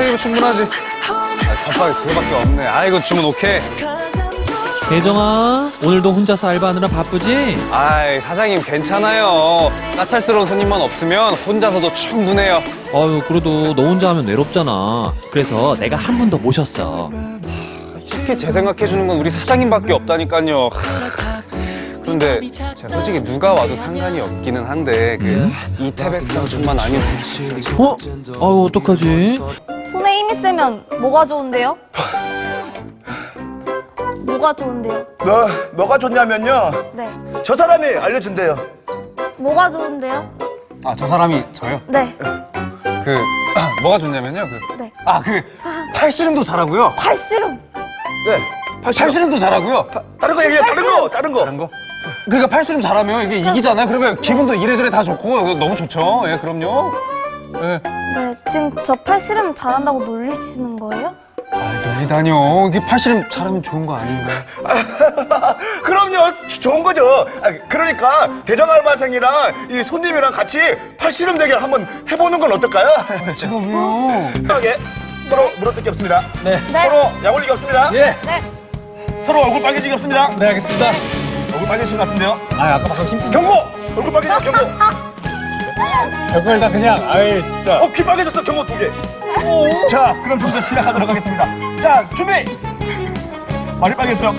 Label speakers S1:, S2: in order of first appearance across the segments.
S1: 테이블 충분하지. 덮밥이 두 개밖에 없네. 아, 이거 주문 오케이.
S2: 대정아, 오늘도 혼자서 알바하느라 바쁘지?
S1: 아이, 사장님 괜찮아요. 까탈스러운 손님만 없으면 혼자서도 충분해요.
S2: 아유, 그래도 너 혼자 하면 외롭잖아. 그래서 내가 한 분 더 모셨어.
S1: 쉽게 재생각해주는 건 우리 사장님밖에 없다니까요. 그런데 제가 솔직히 누가 와도 상관이 없기는 한데 이태백 삼촌만 아니었으면 좋겠어요. 지금.
S2: 어? 아유, 어떡하지?
S3: 손에 힘이 세면 뭐가 좋은데요? 뭐가 좋은데요?
S4: 뭐가 좋냐면요.
S3: 네.
S4: 저 사람이 알려준대요.
S3: 뭐가 좋은데요?
S1: 아, 저 사람이 저요?
S3: 네.
S1: 뭐가 좋냐면요.
S3: 네.
S1: 팔씨름도 잘하고요.
S3: 팔씨름.
S4: 네.
S1: 팔씨름도 잘하고요.
S4: 다른 거 얘기해. 다른 거.
S1: 다른 거? 그러니까 팔씨름 잘하면 이게 이기잖아요. 그러면 기분도 이래저래 다 좋고 너무 좋죠. 예, 그럼요. 예.
S3: 네. 지금 저 팔씨름 잘한다고 놀리시는 거예요?
S1: 놀리다뇨. 이게 팔씨름 잘하면 좋은 거 아닌가요?
S4: 그럼요. 좋은 거죠. 그러니까 대장 알바생이랑 이 손님이랑 같이 팔씨름 대결 한번 해보는 건 어떨까요?
S1: 제가 왜요?
S4: 편하게 서로 물어뜯기 없습니다.
S1: 네.
S4: 서로 약 올리기 없습니다.
S1: 예.
S3: 네.
S4: 서로 얼굴 빨개지기 없습니다.
S1: 네, 알겠습니다.
S4: 얼굴 빨개진 것 같은데요.
S1: 아까 방금 힘쓰
S4: 경고! 얼굴 빨개져 경고.
S1: 별걸 다 그냥, 아이, 진짜.
S4: 귀 빨개졌어. 경고 2개. 자, 그럼 좀 더 시작하도록 하겠습니다. 자, 준비. 말이 빨개졌어.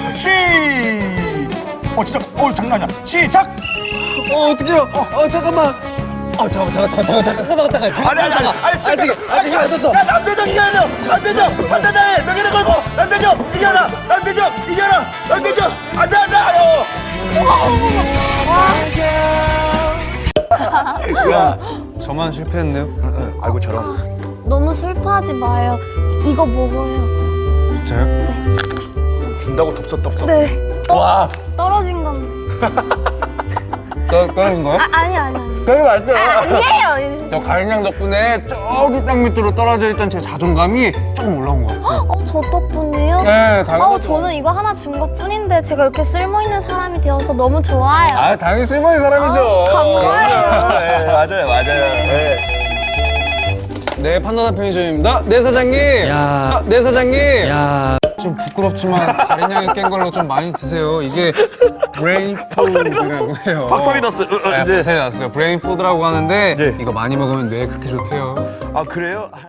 S4: 진짜. 장난 아니야. 시작.
S1: 어떡해요? 잠깐만. 잠깐 끊어갔다가.
S4: 아니,
S1: 아직 힘 안 줬어.
S4: 야, 남대정 이겨라. 남대정 판단해. 명예를 걸고 남대정 이겨라. 남대정 이겨라. 남대정 안돼. 아유. 야,
S1: 저만 실패했네요.
S4: 아이고 저런.
S3: 너무 슬퍼하지 마요. 이거 먹어요.
S1: 진짜요?
S4: 준다고 덥석.
S3: 네.
S4: 와.
S3: 떨어진 건데.
S1: 꺼낸 거요?
S3: 아니.
S1: 그러면 안 돼요.
S3: 아니에요.
S1: 저 가인양 덕분에 저기 땅 밑으로 떨어져 있던 제 자존감이 조금 올라온 것 같아요.
S3: 저 덕분에요?
S1: 네, 당연하죠.
S3: 저는 이거 하나 준 것 뿐인데 제가 이렇게 쓸모있는 사람이 되어서 너무 좋아요.
S1: 당연히 쓸모있는 사람이죠.
S3: 감사해요.
S4: 네, 맞아요. 네.
S1: 네, 판다다 편의점입니다. 네, 사장님.
S2: 야.
S1: 네, 사장님.
S2: 야,
S1: 좀 부끄럽지만 가인양이 깬 걸로 좀 많이 드세요. 이게 브레인 푸드라고 해요.
S4: 박살이 났어요.
S1: 네, 박살이 났어요. 브레인 푸드라고 하는데
S4: 네.
S1: 이거 많이 먹으면 뇌에 그렇게 좋대요.
S4: 그래요?